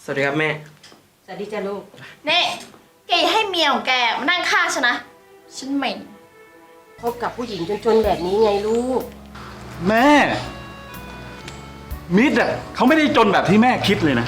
วัสดีครับแม่สวัสดีจ้าลูกเน่แกอย่าให้เมียของแกมานั่งข้างฉันนะฉันเหม็นพบกับผู้หญิงจนๆแบบนี้ไงลูกแม่มิตรอ่ะเขาไม่ได้จนแบบที่แม่คิดเลยนะ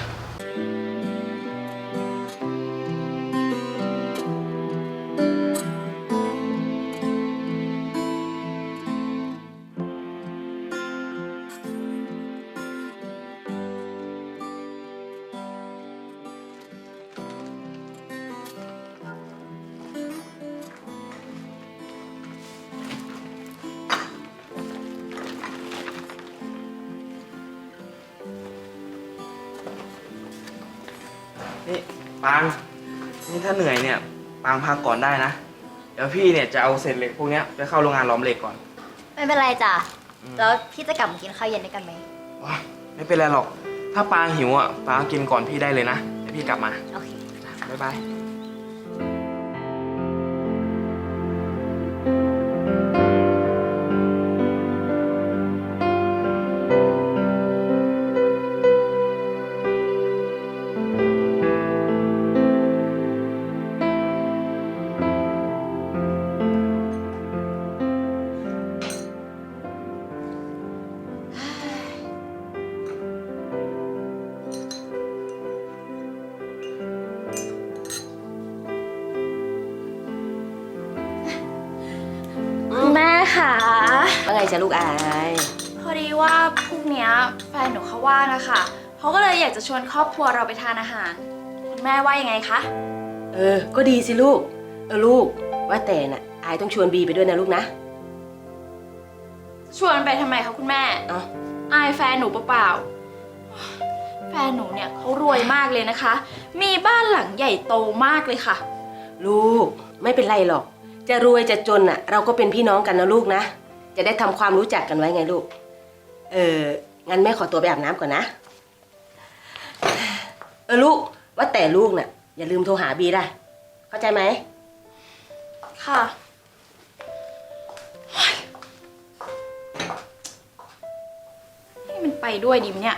นี่ปางนี่ถ้าเหนื่อยเนี่ยปางพักก่อนได้นะเดี๋ยวพี่เนี่ยจะเอาเศษเหล็กพวกนี้ไปเข้าโรงงานหลอมเหล็กก่อนไม่เป็นไรจ้ะแล้วพี่จะกลับมากินข้าวเย็นด้วยกันไหมว้าไม่เป็นไรหรอกถ้าปางหิวอ่ะปางกินก่อนพี่ได้เลยนะเดี๋ยวพี่กลับมาโอเคบ๊ายบายแม่ค่ะว่าไงจ้าลูกอายพอดีว่าพรุ่งนี้แฟนหนูเขาว่างอะค่ะเขาก็เลยอยากจะชวนครอบครัวเราไปทานอาหารคุณแม่ว่ายังไงคะก็ดีสิลูกลูกว่าแต่น่ะอายต้องชวนบีไปด้วยนะลูกนะชวนไปทำไมคะคุณแม่อายแฟนหนูเปล่าๆแฟนหนูเนี่ยเขารวยมากเลยนะคะ มีบ้านหลังใหญ่โตมากเลยค่ะลูกไม่เป็นไรหรอกจะรวยจะจนน่ะเราก็เป็นพี่น้องกันนะลูกนะจะได้ทำความรู้จักกันไว้ไงลูกงั้นแม่ขอตัวไปอาบน้ำก่อนนะลูกว่าแต่ลูกน่ะอย่าลืมโทรหาบีได้เข้าใจไหมค่ะให้มันไปด้วยดิมเนี่ย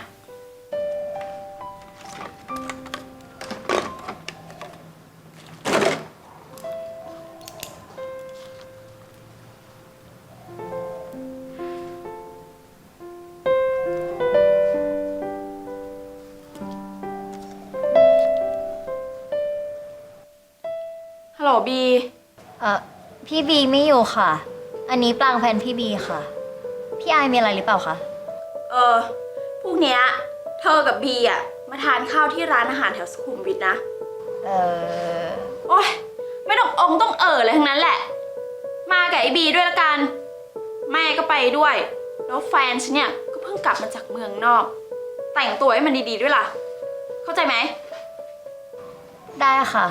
ฮัลโหลบีพี่บีไม่อยู่ค่ะ อันนี้ปรางแฟนพี่บีค่ะ พี่อายมีอะไรหรือเปล่าคะพรุ่งเนี้ยเธอกับบีอ่ะมาทานข้าวที่ร้านอาหารแถวสุขุมวิทนะโอ๊ยไม่ต้องต้องอะไรทั้งนั้นแหละ มากับไอ้บีด้วยละกันแม่ก็ไปด้วย แล้วแฟนฉันเนี่ยก็เพิ่งกลับมาจากเมืองนอก แต่งตัวให้มันดีๆด้วยล่ะ เข้าใจไหมได้ค่ะ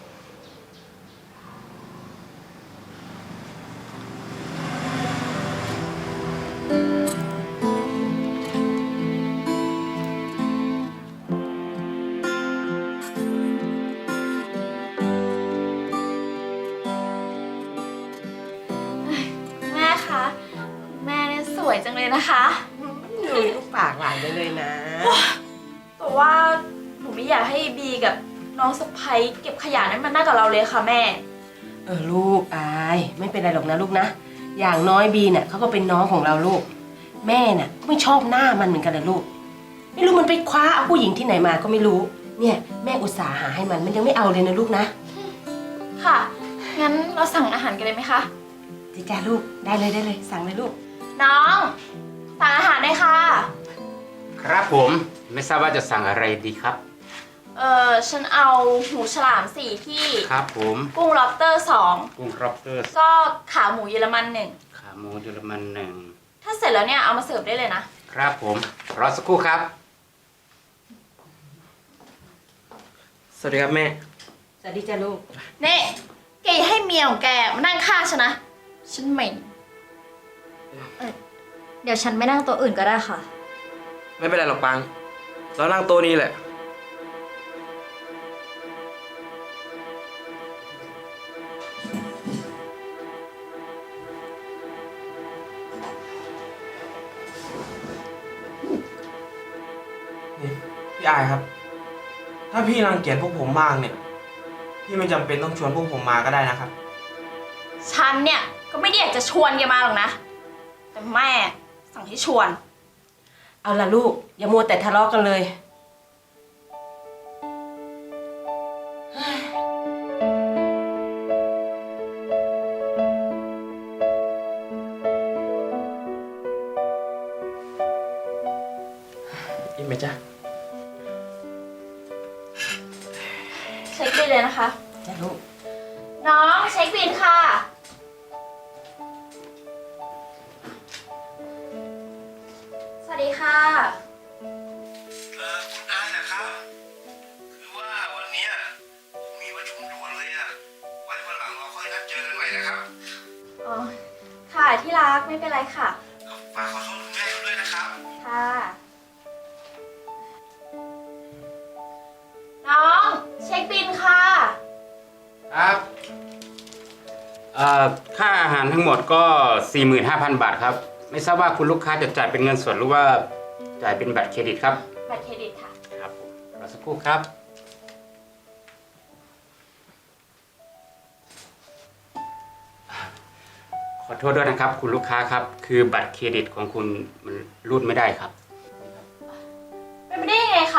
สวยจังเลยนะคะดูลูกปากหวานเลยนะแต่ว่าหนูไม่อยากให้บีกับน้องสะใภ้เก็บขยะนั้นมานั่งกับเราเลยค่ะแม่ลูกอายไม่เป็นไรหรอกนะลูกนะอย่างน้อยบีเนี่ยเขาก็เป็นน้องของเราลูกแม่น่ะก็ไม่ชอบหน้ามันเหมือนกันเลยลูกไม่รู้มันไปคว้าเอาผู้หญิงที่ไหนมาก็ไม่รู้เนี่ยแม่อุตส่าห์หาให้มันยังไม่เอาเลยนะลูกนะค่ะงั้นเราสั่งอาหารกันเลยไหมคะจ้าลูกได้เลยสั่งเลยลูกน้องสั่งอาหารได้ค่ะครับผมไม่ทราบว่าจะสั่งอะไรดีครับฉันเอาหูฉลาม4ที่ครับผมกุ้งล็อบสเตอร์2 กุ้งล็อบสเตอร์ก็ขาหมูเยอรมัน1 ขาหมูเยอรมัน1 ถ้าเสร็จแล้วเนี่ยเอามาเสิร์ฟได้เลยนะครับผมรอสักครู่ครับสวัสดีครับแม่สวัสดีจ้าลูกเน่แกอย่าให้เมียของแกมานั่งข้างฉันนะฉันเหม็นเดี๋ยวฉันไม่นั่งโต๊ะอื่นก็ได้ค่ะไม่เป็นไรหรอกปางเรานั่งโต๊ะนี้แหละนี่พี่อายครับถ้าพี่รังเกียจพวกผมมากเนี่ย พี่ไม่จำเป็นต้องชวนพวกผมมาก็ได้นะครับฉันเนี่ยก็ไม่ได้อยากจะชวนแกมาหรอกนะ แต่แม่สั่งให้ชวนเอาล่ะลูก อย่ามัวแต่ทะเลาะกันเลยอิ่มไหมจ๊ะเช็คบินเลยนะคะจ้ะลูกน้องเช็คบินค่ะ สวัสดีค่ะคุณอายนะครับ คือว่าวันเนี้ยผมมีประชุมด่วนเลยอะไว้วันหลังเราค่อยนัดเจอกันใหม่นะครับอ๋อ ค่ะที่รักไม่เป็นไรค่ะฝากขอโทษคุณแม่ด้วยนะครับค่ะ น้องเช็คบินค่ะครับค่าอาหารทั้งหมดก็ 45,000 บาทครับ ไม่ทราบว่าคุณลูกค้าจะจ่ายเป็นเงินสดหรือว่าจ่ายเป็นบัตรเครดิตครับบัตรเครดิตค่ะครับผมรอสักครู่ครับ ขอโทษด้วยนะครับคุณลูกค้าครับ คือบัตรเครดิตของคุณมันรูดไม่ได้ครับเป็นไปได้ยังไงคะ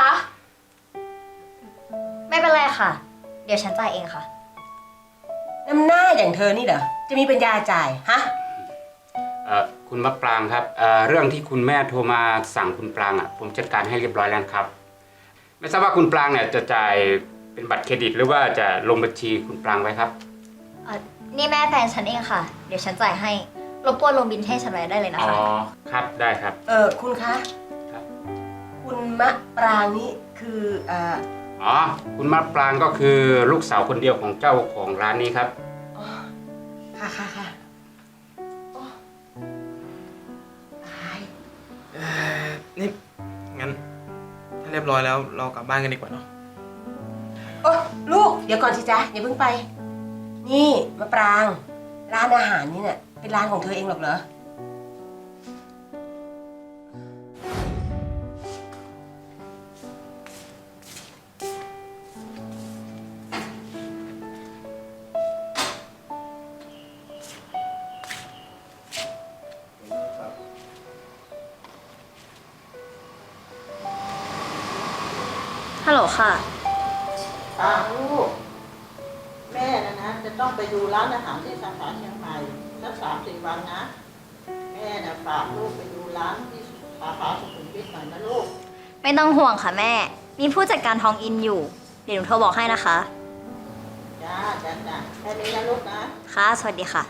ไม่เป็นไรค่ะ เดี๋ยวฉันจ่ายเองค่ะน้ำหน้าอย่างเธอนี่เหรอ จะมีปัญญาจ่าย ฮะคุณมะปรางครับเรื่องที่คุณแม่โทรมาสั่งคุณปรางผมจัดการให้เรียบร้อยแล้วครับ ไม่ทราบว่าคุณปรางเนี่ยจะจ่ายเป็นบัตรเครดิตหรือว่าจะลงบัญชีคุณปรางไว้ครับนี่แม่แฟนฉันเองค่ะ เดี๋ยวฉันจ่ายให้ รบกวนลงบินให้ฉันไว้ได้เลยนะอ๋อคะครับได้ครับคุณคะครับคุณมะปรางนี่คืออ๋อคุณมะปรางก็คือลูกสาวคนเดียวของเจ้าของร้านนี้ครับอ๋อ ค่ะค่ะค่ะโอ้ตายนี่ งั้น ถ้าเรียบร้อยแล้วเรากลับบ้านกันดีกว่าเนาะโอ้ลูก เดี๋ยวก่อนสิจ๊ะอย่าเพิ่งไป นี่มะปราง ร้านอาหารนี่เนี่ยเป็นร้านของเธอเองหรอกเหรอฮัลโหลค่ะลูกแม่นะจะต้องไปดูร้านอาหารที่สาขาเชียงใหม่สัก3-4 วันนะ แม่ฝากลูกไปดูร้านที่สาขาสุขุมวิทหน่อยนะลูกไม่ต้องห่วงค่ะแม่ มีผู้จัดการทองอินอยู่ เดี๋ยวหนูโทรบอกให้นะคะจ้าแค่นี้นะลูกนะค่ะ สวัสดีค่ะ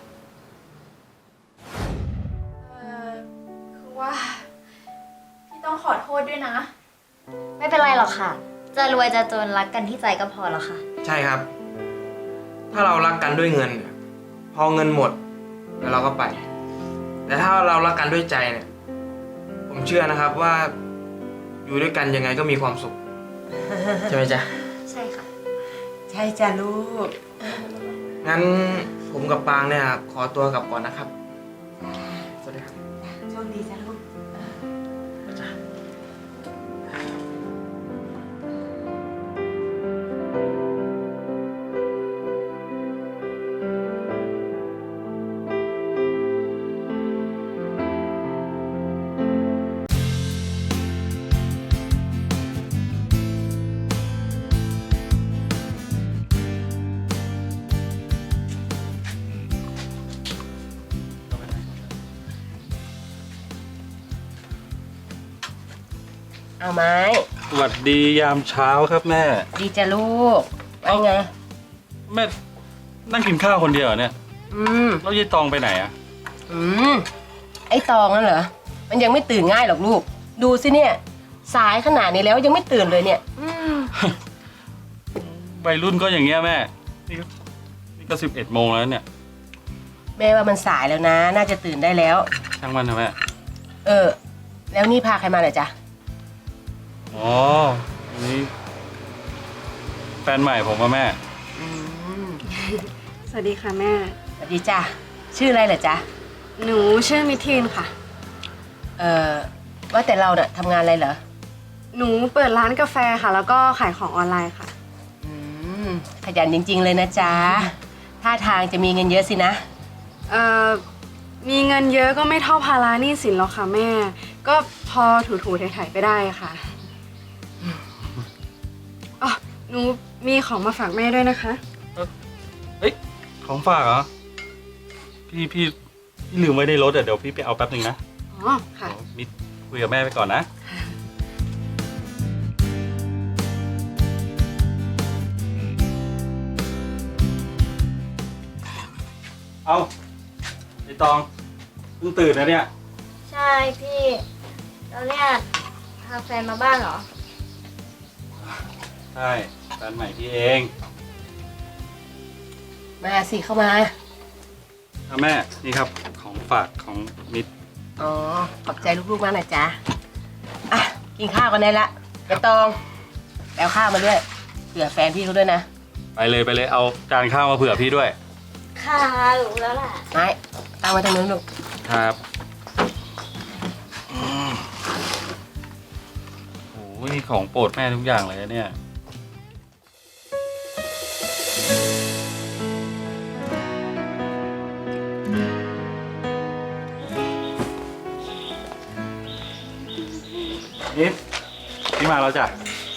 คือว่า พี่ต้องขอโทษด้วยนะไม่เป็นไรหรอกค่ะ จะรวยจะจนรักกันที่ใจก็พอแล้วค่ะใช่ครับ ถ้าเรารักกันด้วยเงินเนี่ยพอเงินหมดแล้วเราก็ไป แต่ถ้าเรารักกันด้วยใจเนี่ย ผมเชื่อนะครับว่า อยู่ด้วยกันยังไงก็มีความสุข ใช่ไหมจ๊ะใช่ค่ะใช่จ้ะลูกงั้นผมกับปางเนี่ยขอตัวกลับก่อนนะครับ สวัสดีครับโชคดีจ้ะลูก เอาไหมสวัสดียามเช้าครับแม่ดีจ้ะลูกว่าไงแม่นั่งกินข้าวคนเดียวเหรอเนี่ยอืมแล้วยายตองไปไหนอะอืม ไอ้ตองนั่นเหรอ มันยังไม่ตื่นง่ายหรอกลูก ดูสิเนี่ย สายขนาดนี้แล้วยังไม่ตื่นเลยเนี่ยวัยรุ่นก็อย่างเงี้ยแม่ นี่ก็11 โมงแล้วเนี่ยแม่ว่ามันสายแล้วนะ น่าจะตื่นได้แล้วช่างมันเถอะแม่แล้วนี่พาใครมาเหรอจ๊ะอ๋ออันนี้แฟนใหม่ผมอะแม่สวัสดีค่ะแม่สวัสดีจ้ะ ชื่ออะไรเหรอจ๊ะหนูชื่อมิทีนค่ะว่าแต่เราเนี่ยทำงานอะไรเหรอหนูเปิดร้านกาแฟค่ะ แล้วก็ขายของออนไลน์ค่ะอืมขยันจริง ๆ เลยนะจ๊ะท่าทางจะมีเงินเยอะสินะมีเงินเยอะก็ไม่เท่าภาระหนี้สินหรอกค่ะแม่ ก็พอถูๆไถ่ๆไปได้ค่ะอ๋อหนูมีของมาฝากแม่ด้วยนะคะเฮ้ย ของฝากเหรอ พี่ลืมไว้ในรถเดี๋ยวพี่ไปเอาแป๊บหนึ่งนะอ๋อ ค่ะเดี๋ยวมิดคุยกับแม่ไปก่อนนะ เอาไอตองเพิ่งตื่นนะเนี่ยใช่พี่แล้วเนี่ยพาแฟนมาบ้านเหรอใช่แฟนใหม่พี่เองมาสิเข้ามาแม่ นี่ครับของฝากของมิดอ๋อ ขอบใจลูกๆมากนะจ๊ะ อ่ะ กินข้าวกันได้ละใบตองแปลข้าวมาด้วย เผื่อแฟนพี่เขาด้วยนะไปเลยเอาจานข้าวมาเผื่อพี่ด้วยค่ะรู้แล้วแหละไม่ตั้งไว้ตรงนู้นลูกครับโอ้ยนี่ของโปรดแม่ทุกอย่างเลยนะเนี่ยนิดพี่มาแล้วจ้ะ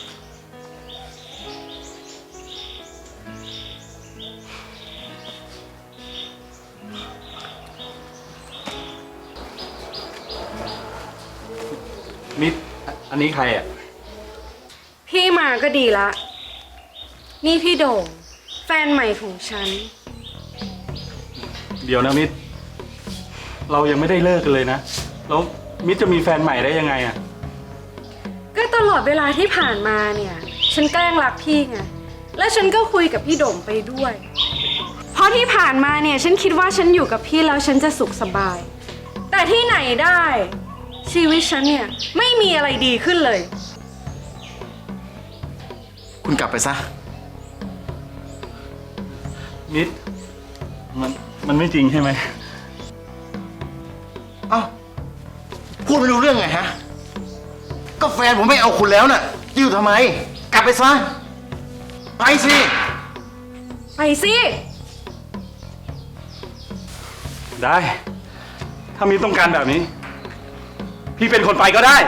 มิดอันนี้ใครอ่ะพี่มาก็ดีละ นี่พี่โด่งแฟนใหม่ของฉันเดี๋ยวนะมิดเรายังไม่ได้เลิกกันเลยนะแล้วมิดจะมีแฟนใหม่ได้ยังไงอ่ะก็ตลอดเวลาที่ผ่านมาเนี่ย ฉันแกล้งรักพี่ไง และฉันก็คุยกับพี่โด่งไปด้วย เพราะที่ผ่านมาเนี่ยฉันคิดว่าฉันอยู่กับพี่แล้วฉันจะสุขสบาย แต่ที่ไหนได้ ชีวิตฉันเนี่ยไม่มีอะไรดีขึ้นเลยคุณกลับไปซะมิดมันไม่จริงใช่ไหมเอ้า พูดไม่รู้เรื่องไงฮะ ก็แฟนผมไม่เอาคุณแล้วน่ะจะอยู่ทำไม กลับไปซะ ไปสิไปสิได้ ถ้ามิดต้องการแบบนี้ พี่เป็นคนไปก็ได้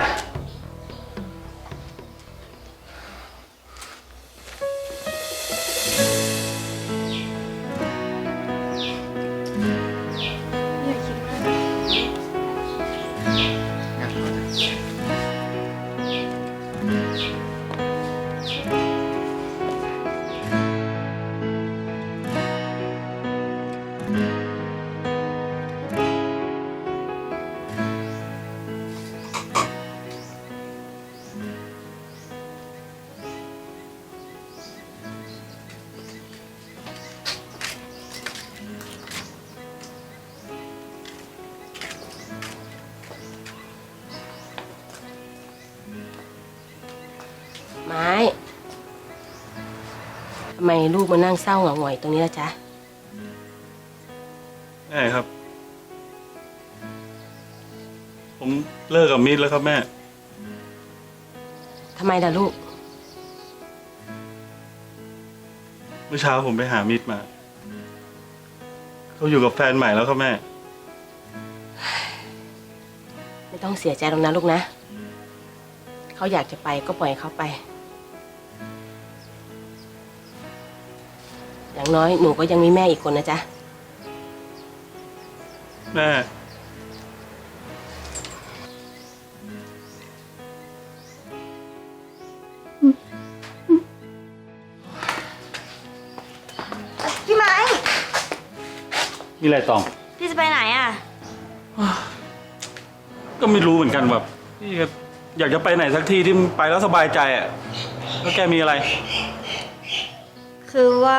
ไม้ทำไมลูกมานั่งเศร้าเหงาหงอยตรงนี้ล่ะจ๊ะแม่ครับ ผมเลิกกับมิดแล้วครับแม่ทำไมล่ะลูกเมื่อเช้าผมไปหามิดมา เขาอยู่กับแฟนใหม่แล้วครับแม่ไม่ต้องเสียใจหรอกนะลูกนะ เขาอยากจะไปก็ปล่อยเขาไป อย่างน้อยหนูก็ยังมีแม่อีกคนนะจ๊ะแม่พี่ไม้มีอะไรตองพี่จะไปไหนอ่ะก็ไม่รู้เหมือนกันแบบพี่ก็อยากจะไปไหนสักที่ที่ไปแล้วสบายใจอ่ะแล้วแกมีอะไรคือว่า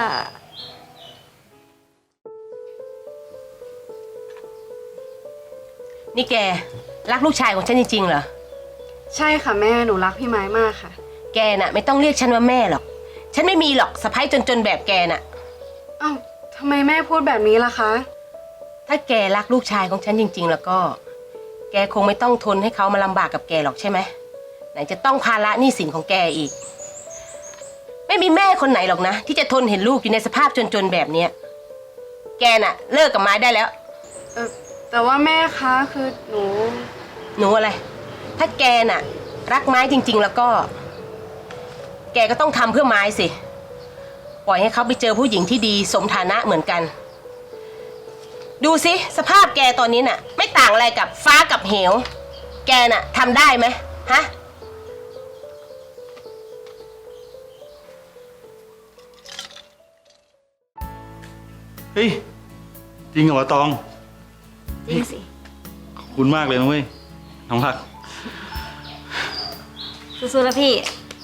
นี่แกรักลูกชายของฉันจริงๆเหรอใช่ค่ะแม่หนูรักพี่ไม้มากค่ะแกน่ะไม่ต้องเรียกฉันว่าแม่หรอก ฉันไม่มีหรอกสะใภ้จนๆแบบแกน่ะอ้าวทำไมแม่พูดแบบนี้ล่ะคะถ้าแกรักลูกชายของฉันจริง ๆ แล้วก็ แกคงไม่ต้องทนให้เขามาลำบากกับแกหรอกใช่ไหมไหนจะต้องภาระหนี้สินของแกอีก ไม่มีแม่คนไหนหรอกนะ ที่จะทนเห็นลูกอยู่ในสภาพจนๆแบบเนี้ยแกน่ะ เลิกกับไม้ได้แล้วแต่ว่าแม่คะคือหนูหนูอะไร ถ้าแกน่ะ รักไม้จริง ๆ แล้วก็ แกก็ต้องทำเพื่อไม้สิ ปล่อยให้เขาไปเจอผู้หญิงที่ดีสมฐานะเหมือนกัน ดูสิสภาพแกตอนนี้น่ะ ไม่ต่างอะไรกับฟ้ากับเหว แกน่ะทำได้ไหมฮะเฮ้ย จริงเหรอวะตองจริงสิขอบคุณมากเลยนะเว้ย น้องรักสู้ๆนะพี่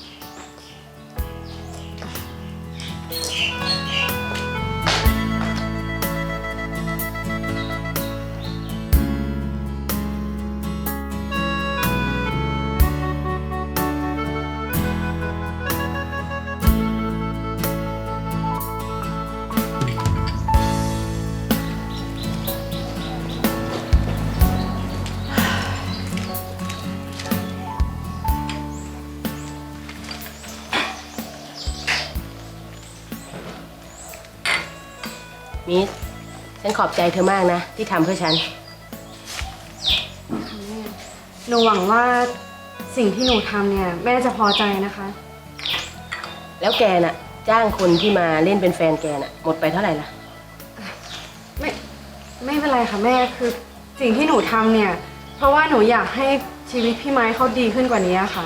มิสฉันขอบใจเธอมากนะ ที่ทำเพื่อฉันหนูหวังว่าสิ่งที่หนูทำเนี่ยแม่จะพอใจนะคะแล้วแกน่ะ จ้างคนที่มาเล่นเป็นแฟนแกน่ะ หมดไปเท่าไหร่ล่ะไม่เป็นไรค่ะแม่คือสิ่งที่หนูทำเนี่ย เพราะว่าหนูอยากให้ชีวิตพี่ไม้เขาดีขึ้นกว่านี้ค่ะ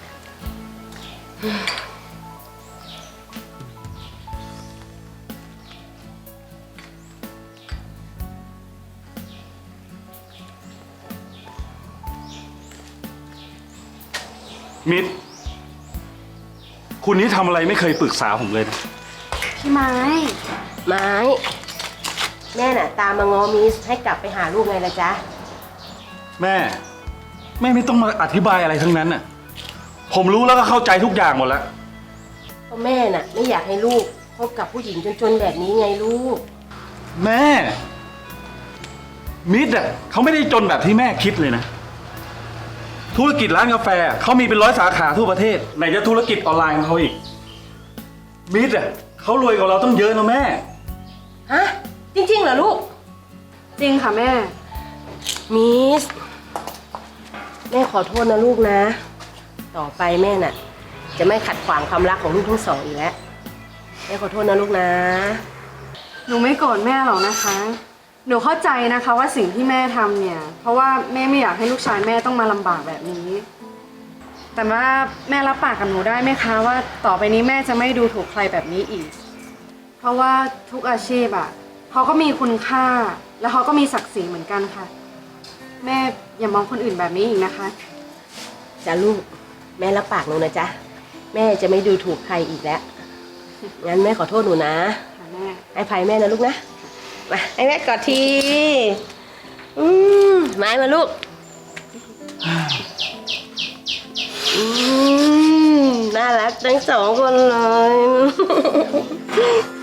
มิตร คุณนี่ทำอะไรไม่เคยปรึกษาผมเลยนะพี่ไม้ไม้ แม่น่ะ ตามมางอมิสให้กลับไปหาลูกไงล่ะจ๊ะแม่ แม่ไม่ต้องมาอธิบายอะไรทั้งนั้นน่ะ ผมรู้แล้วก็เข้าใจทุกอย่างหมดแล้วเพราะแม่น่ะ ไม่อยากให้ลูกพบกับผู้หญิงจนๆแบบนี้ไงลูกแม่ มิตรอ่ะเขาไม่ได้จนแบบที่แม่คิดเลยนะ ธุรกิจร้านกาแฟเขามีเป็น100 สาขาทั่วประเทศไหนจะธุรกิจออนไลน์ของเขาอีก มิตรอ่ะเขารวยกว่าเราต้องเยอะนะแม่ฮะ จริงๆเหรอลูกจริงค่ะแม่มิส แม่ขอโทษนะลูกนะ ต่อไปแม่น่ะ จะไม่ขัดขวางความรักของลูกทั้งสองอีกแล้ว แม่ขอโทษนะลูกนะหนูไม่โกรธแม่หรอกนะคะ หนูเข้าใจนะคะว่าสิ่งที่แม่ทำเนี่ย เพราะว่าแม่ไม่อยากให้ลูกชายแม่ต้องมาลำบากแบบนี้ แต่ว่าแม่รับปากกับหนูได้ไหมคะว่าต่อไปนี้แม่จะไม่ดูถูกใครแบบนี้อีก เพราะว่าทุกอาชีพอ่ะเขาก็มีคุณค่า แล้วเขาก็มีศักดิ์ศรีเหมือนกันค่ะ แม่อย่ามองคนอื่นแบบนี้อีกนะคะจ้ะลูก แม่รับปากหนูนะจ๊ะ แม่จะไม่ดูถูกใครอีกแล้ว งั้นแม่ขอโทษหนูนะค่ะแม่ให้ภัยแม่นะลูกนะ มาให้แม่กอดที ไม้มาลูก น่ารักทั้งสองคนเลย